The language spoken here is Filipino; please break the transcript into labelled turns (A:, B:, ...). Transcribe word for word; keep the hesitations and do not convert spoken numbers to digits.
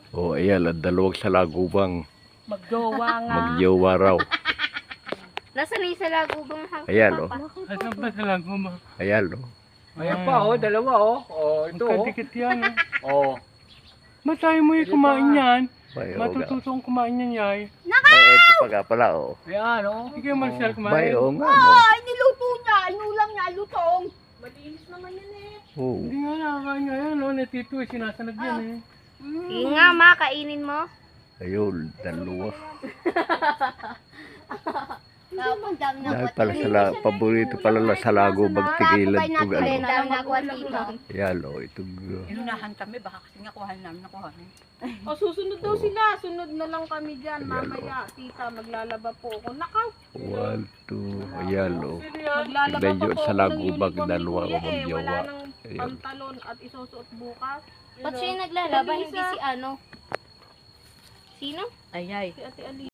A: O, ayan, ang dalawang salagubang
B: Magjowa nga.
A: magjowa raw.
C: Nasaan yung sa lagubang hanggang
A: Ayan, oh.
D: Asan ba sa laguma?
A: Ayan, o.
E: Ayan pa, oh, dalawa, oh. Oh, ito, oh.
D: Magkadikit yan. eh.
E: Oh.
D: Ba't tayo mo yung kumain yan?
A: Bay, o. ga.
D: Matututong kumain yan, yay.
A: Ay, ito pa nga pala, o.
E: Ayan, oh.
D: Sige, Marcel,
A: Bay,
D: kumain.
A: o nga, no.
B: Ay, niluto niya. Inulam niya. Lutong. Malinis naman yan eh.
A: Oo.
D: Hindi nga nakakain nga yan, no? Natito eh, sinasanag yan eh.
C: Sige nga, ma, kainin mo.
A: Ayun, dalawa.
C: Tapos dami na
A: Dahil pala sa la, paborito pala la sa lago magtigilan to
C: Alin,
A: ano.
C: dami na kuha dito.
A: Ayan, o. Itong, uh,
B: Inunahan kami. Baka kasi nga kuhan namin. Nakuha namin.
F: O susunod daw sila, sunod na lang kami dyan
A: Ayan,
F: mamaya. Tita, maglalaba po ako. Nakaw,
A: one, two, ayan, o.
F: maglalaba
A: Tignan
F: pa
A: nyo
F: po
A: sa
F: ako ng
A: lagubag,
F: uniform ni
A: dalawa
F: Kuya
A: ang
F: eh.
A: magjowa.
F: Wala nang
A: Ayan.
F: pantalon at isusuot bukas.
C: Ba't siya yung naglalaba? Hindi si ano? Sino?
B: Ayay.
F: Si Ate Ali.